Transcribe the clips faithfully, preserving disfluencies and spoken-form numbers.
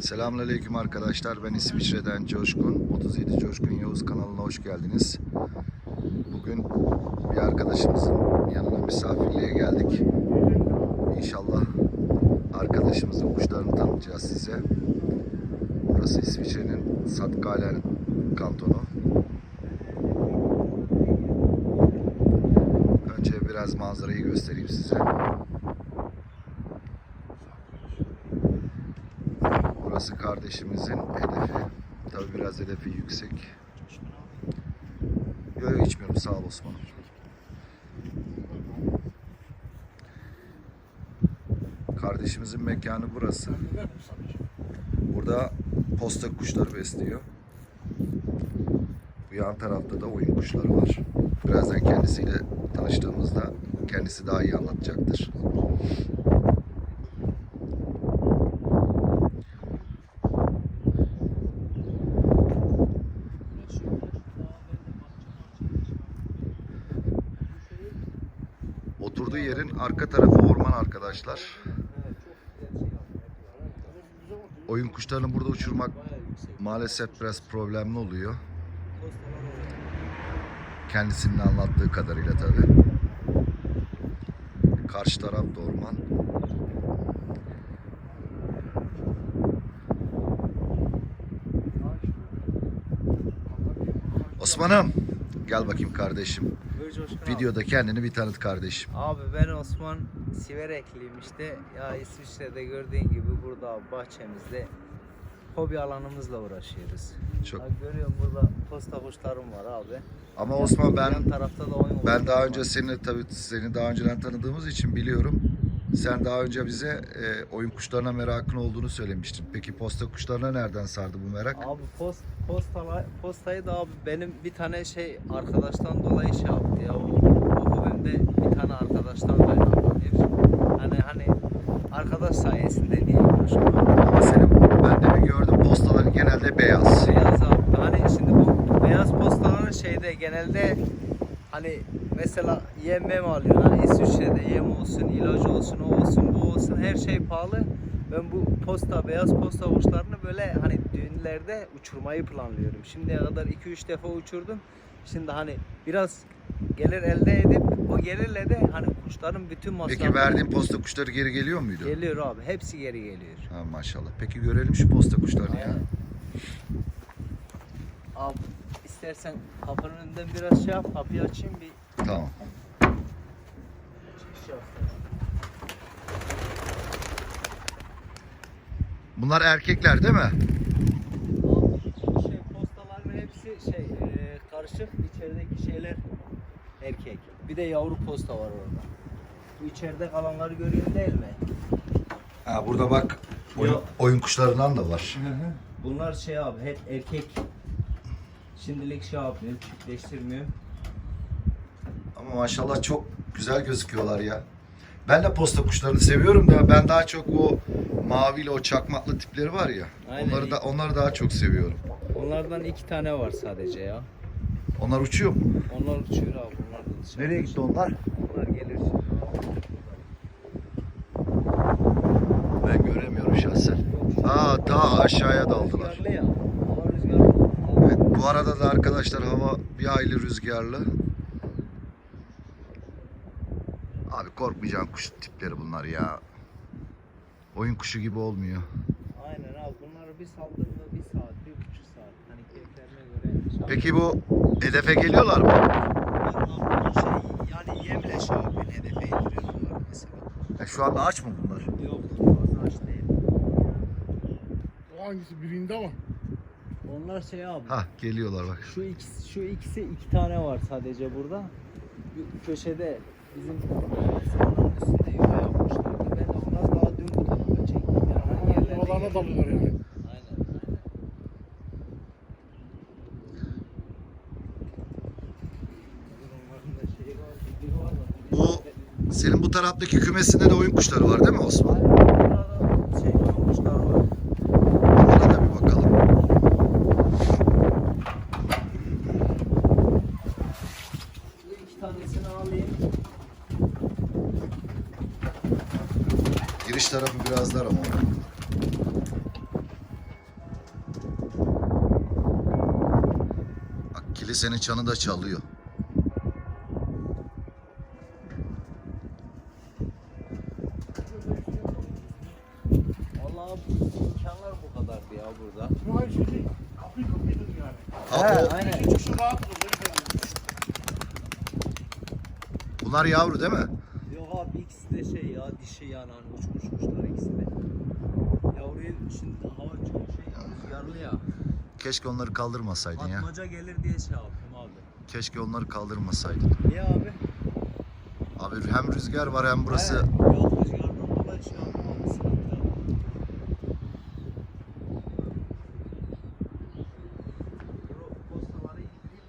Selamünaleyküm arkadaşlar. Ben İsviçre'den Coşkun. otuz yedi Coşkun Yavuz kanalına hoş geldiniz. Bugün bir arkadaşımızın yanına misafirliğe geldik. İnşallah arkadaşımızın kuşlarını tanıtacağız size. Burası İsviçre'nin Satkalen kantonu. Önce biraz manzarayı göstereyim size. Burası kardeşimizin hedefi. Tabi biraz hedefi yüksek. Yok yok içmiyorum, sağ ol Osman'ım. Kardeşimizin mekanı burası. Burada posta kuşları besliyor. Bu yan tarafta da oyun kuşları var. Birazdan kendisiyle tanıştığımızda kendisi daha iyi anlatacaktır. Oturduğu yerin arka tarafı orman arkadaşlar. Oyun kuşlarını burada uçurmak maalesef biraz problemli oluyor. Kendisinin anlattığı kadarıyla tabii. Karşı taraf da orman. Osman'ım, gel bakayım kardeşim. Videoda kendini bir tanıt kardeşim. Abi ben Osman Siverekliyim işte. Ya İsviçre'de gördüğün gibi burada bahçemizde hobi alanımızla uğraşıyoruz. Çok. Abi görüyorum burada posta kuşlarım var abi. Ama Yan- Osman ben yan tarafta da oyun ben kuşları daha var. önce seni tabii seni daha önceden tanıdığımız için biliyorum. Sen daha önce bize e, oyun kuşlarına merakın olduğunu söylemiştin. Peki posta kuşlarına nereden sardı bu merak? Abi post postala, postayı da abi benim bir tane şey arkadaştan dolayı şey yaptı ya. O, o hobimde bir tane arkadaştan kaynaklanıyor. Hani hani arkadaş sayesinde diye uğraşıyorum. Ama senin ben de bir gördüm, postaları genelde beyaz. Beyaz abi. Hani şimdi bu beyaz postaların şeyde genelde hani mesela yem mem alıyor. Hani İsviçre'de yem olsun, ilacı olsun, o olsun, bu olsun, her şey pahalı. Ben bu posta, beyaz posta kuşlarını böyle hani düğünlerde uçurmayı planlıyorum. Şimdiye kadar iki üç defa uçurdum. Şimdi hani biraz gelir elde edip o gelirle de hani kuşların bütün masrafları... Peki verdiğin posta kuşları geri geliyor muydu? Geliyor abi. Hepsi geri geliyor. Ha, maşallah. Peki görelim şu posta kuşlarını ya. Aynen. Abi istersen kapının önünden biraz şey yap, kapıyı açayım bir Tamam. çıkış yap. Bunlar erkekler değil mi? Abi şey postaların hepsi şey e, karışık, içerideki şeyler erkek. Bir de yavru posta var orada. Bu içeride kalanları görüyorsun değil mi? Ha, burada bak oyun, Yok. oyun kuşlarından da var. Bunlar şey abi hep erkek. Şimdilik şey yapmıyorum, çiftleştirmiyorum. Ama maşallah çok güzel gözüküyorlar ya. Ben de posta kuşlarını seviyorum da ben daha çok o mavili, o çakmaklı tipleri var ya. Aynen. Onları da onları daha çok seviyorum. Onlardan iki tane var sadece ya. Onlar uçuyor mu? Onlar uçuyor abi. Onlar da dışarı. Nereye gitti onlar? Onlar gelir şimdi. Ben göremiyorum şahsen. Aa, daha aşağıya daldılar. Rüzgarlı ya. Hava rüzgarlı. Evet, bu arada da arkadaşlar hava bir hayli rüzgarlı. Abi korkmayacağın kuş tipleri bunlar ya. Oyun kuşu gibi olmuyor. Aynen abi. Bunları bir saldığında bir saat, bir buçuk saat. Hani keyiflerine göre. Peki bu hedefe geliyorlar mı? Bunlar şey yani yemle şey yapıyor. Hedefe indiriyor bunlar mesela. E, şu anda aç mı bunlar? Yok. Fazla aç değil. O hangisi birinde ama? Onlar şey abi. Ha, geliyorlar bak. Şu ikisi, şu ikisi iki tane var sadece burada. Bir köşede bizim sahanın üstünde yuva yapmışlardı. Ben de onları daha dün bu tarafa çektim. Yani hani yerlerine Yuvalarına geliyor. dalıyorlar yani. Aynen, aynen. Onların da şeyi var, biri var da. Bu senin bu taraftaki kümesinde de oyun kuşları var değil mi Osman? Aynen, burada şey koymuşlar var. Ona da bir bakalım. Şu iki tanesini alayım. Giriş tarafı biraz dar ama. Sürekli senin çanı da çalıyor. Vallahi imkanlar bu kadardı ya burada. Bu her şey değil. Kapı kapıydın yani. Ha, He, o- aynen. Çıkışı rahat olur. bunlar yavru değil mi? Yok abi ikisi de şey ya dişi yani hani uçmuş kuşlar ikisi de. Yavruyu şimdi hava çok şey ya rüzgarlı ya. Keşke onları kaldırmasaydın ya. Atmaca gelir diye şey yaptım abi. Keşke onları kaldırmasaydın. Niye abi? Abi hem rüzgar var hem burası. He, yok rüzgardan dolayı şey yaptım abi sıkıntı yok. Dur, o postaları indireyim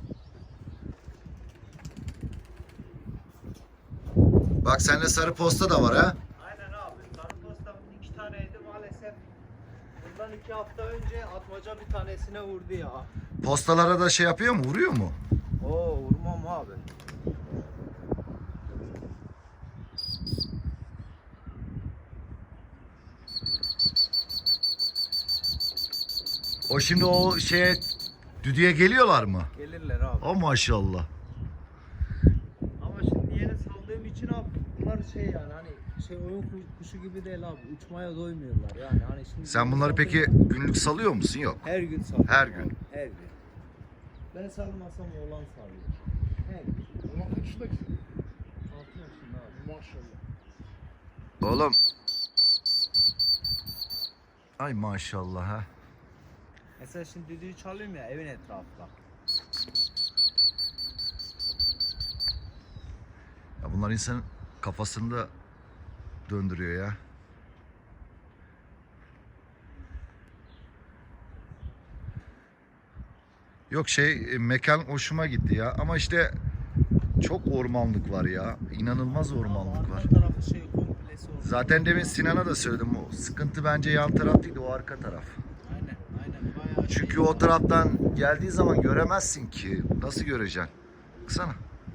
abi. Bak sende sarı posta da var ha. Aynen abi. Sarı postamın iki taneydi maalesef. Bundan iki hafta önce atmaca bir tanesine vurdu ya. Postalara da şey yapıyor mu? Vuruyor mu? Oo vurmam abi. O şimdi o şeye düdüğe geliyorlar mı? Gelirler abi. O maşallah. Ama şimdi yeni saldığım için abi bunlar şey yani hani şey oyun kuş- kuşu gibi değil abi. Uçmaya doymuyorlar yani hani şimdi. Sen bunları peki günlük salıyor musun? Yok. her gün salıyorum. Her abi, gün. Her gün. Ben salmasam oğlan salıyor. Her gün. Ulan kaç yaşındaki? altı yaşında abi. Maşallah. Oğlum. Ay maşallah ha. Mesela şimdi düdüğü çalıyorum ya evin etrafında. Ya bunlar insanın kafasını da döndürüyor ya. Yok şey e, mekan hoşuma gitti ya ama işte çok ormanlık var ya. İnanılmaz ormanlık var. Arka tarafı şey komplesi oldu. Zaten demin Sinan'a da söyledim. O sıkıntı bence yan taraf değil, o arka taraf. Aynen aynen bayağı Çünkü şey. o taraftan geldiği zaman göremezsin ki. Nasıl göreceksin? Baksana.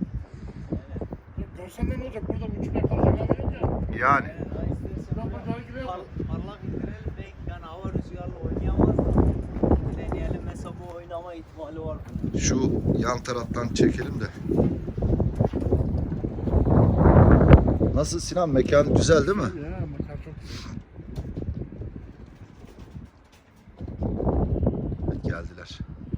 Görsen de ne olacak? Burada uçmaya kalacak hava yok ya. Yani. Aynen, ha, istersen Bak, böyle bak, hareket par- yapalım. parlak indirelim belki yani hava rüzgarlı oynayamaz da. Bir deneyelim mesela bu oynama ihtimali var. Şu yan taraftan çekelim de. Nasıl Sinan? Mekan güzel değil mi? Ya makar çok güzel. Geldiler.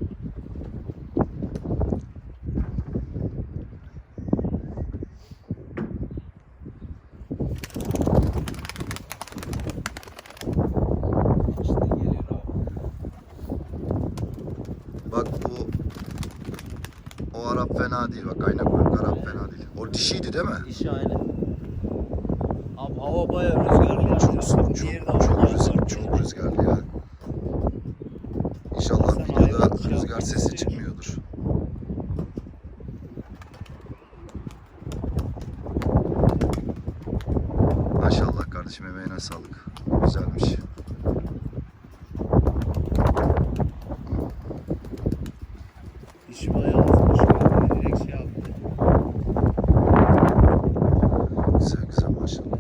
İşte geliyor abi. Bak bu o Arap fena değil. Bak ayna koyuk Arap fena değil. O dişiydi değil mi? İşi aynen. Abi hava bayağı rüzgarlı ya. Çok çok Diğeri de çok, çok, hava rüzgar, var. çok rüzgarlı ya. İnşallah Sen videoda hayvan şey rüzgar yapmak sesi istiyorsun. çıkmıyordur. Maşallah kardeşim, emeğine sağlık. Güzelmiş. İşi bayağı azmış. Yani direkt şey yaptı. Güzel güzel maşallah.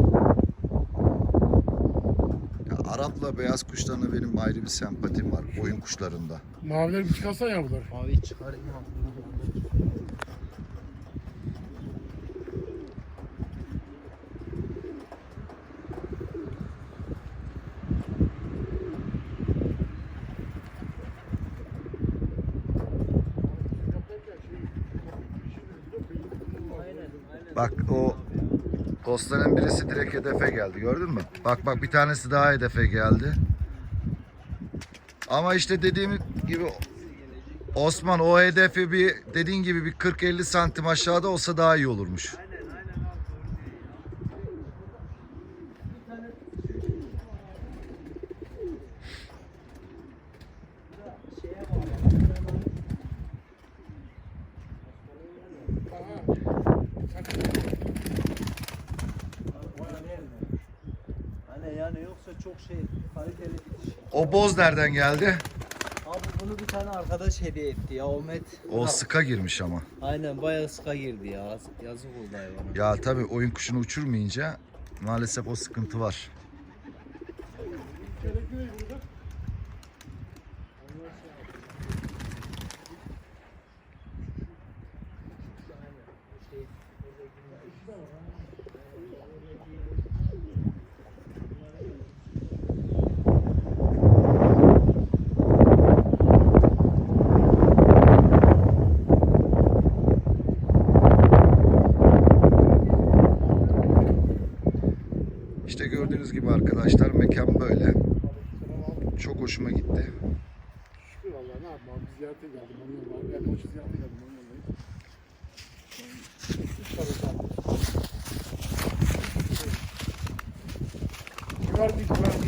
Ya, Arap'la beyaz kuşlarına benim ayrı bir sempatim var oyun kuşlarında. Maviler bir çıkarsan ya bunlar. Mavi çıkarayım abi. Aynen, aynen. Bak o postanın birisi direkt hedefe geldi, gördün mü? Bak bak bir tanesi daha hedefe geldi. Ama işte dediğim gibi Osman, o hedefi bir dediğin gibi bir kırk elli santim aşağıda olsa daha iyi olurmuş. Aynen aynen abi doğru diyor ya. Bir tane şeye bağlı. Hani yani yoksa çok şey kaliteli bir diş. O boz nereden geldi? Abi bunu bir tane arkadaş hediye etti ya Ahmet. O sıka girmiş ama. Aynen bayağı sıka girdi ya. Yazık oldu hayvana. Ya tabii oyun kuşunu uçurmayınca maalesef o sıkıntı var. gördüğünüz gibi arkadaşlar mekan böyle. Çok hoşuma gitti. Şükür vallahi ne yapayım abi ziyarete geldim onun yanına. Ben koçu ziyarete geldim onun yanındayım. Üç tane kaldı. Güvercin güvercin.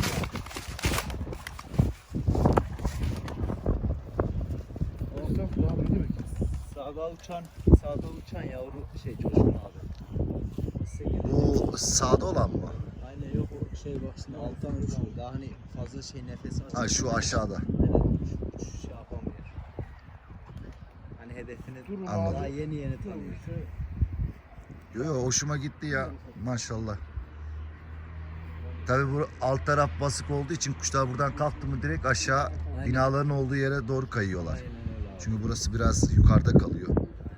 Olsun daha ne demek? Sağda uçan, sağda uçan yavru şey Coşkun abi. Sekiz- Bu sağda olan mı? Aynen yok o şey baksın alttan uçuyor. Daha hani fazla şey nefes alsın. Ha şu aşağıda. Evet, uç, uç şey yapamıyor. Hani hedefini Durun Anladım. daha yeni yeni tanıyor. Yo yo hoşuma gitti ya maşallah. Tabii bu alt taraf basık olduğu için kuşlar buradan kalktı mı direkt aşağı Aynen. binaların olduğu yere doğru kayıyorlar. Aynen öyle abi. Çünkü burası biraz yukarıda kalıyor.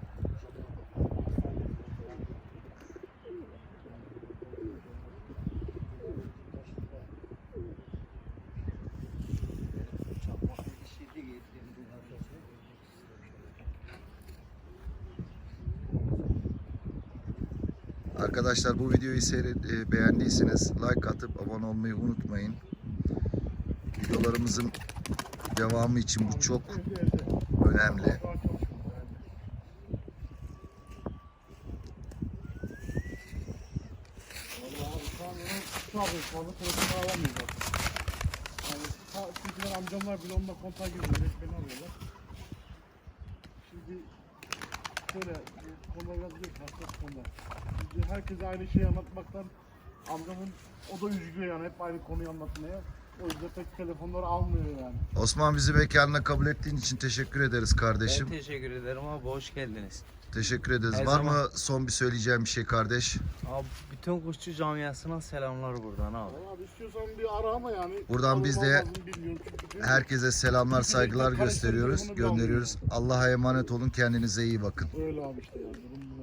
Çakmaklı dişiydi, getirdim arkadaşlar. Arkadaşlar bu videoyu seyret, e, beğendiyseniz like atıp abone olmayı unutmayın. Videolarımızın devamı için bu çok Evde evde. önemli. Daha çalışmadı yani. Vallahi abi şu an onu şu abi fazla telefonu alamıyor zaten. Yani ta- çünkü ben amcamlar bile onunla kontağa girmiyor. Direkt beni arıyorlar. Şimdi şöyle bu konuda biraz bir hassas konular. Şimdi herkese aynı şeyi anlatmaktan amcamın o da üzülüyor yani hep aynı konuyu anlatmaya. O yüzden pek telefonları almıyor yani. Osman bizi mekanına kabul ettiğin için teşekkür ederiz kardeşim. Ben teşekkür ederim abi, hoş geldiniz. Teşekkür ederiz. Her Var zaman. mı son bir söyleyeceğim bir şey kardeş? Abi bütün kuşçu camiasına selamlar buradan abi. Valla abi istiyorsan bir ara ama yani. Buradan biz de Alır mı bilmiyorum çünkü. Herkese selamlar, saygılar gösteriyoruz, gönderiyoruz. Allah'a emanet olun, kendinize iyi bakın. Öyle abi işte yani durum bu.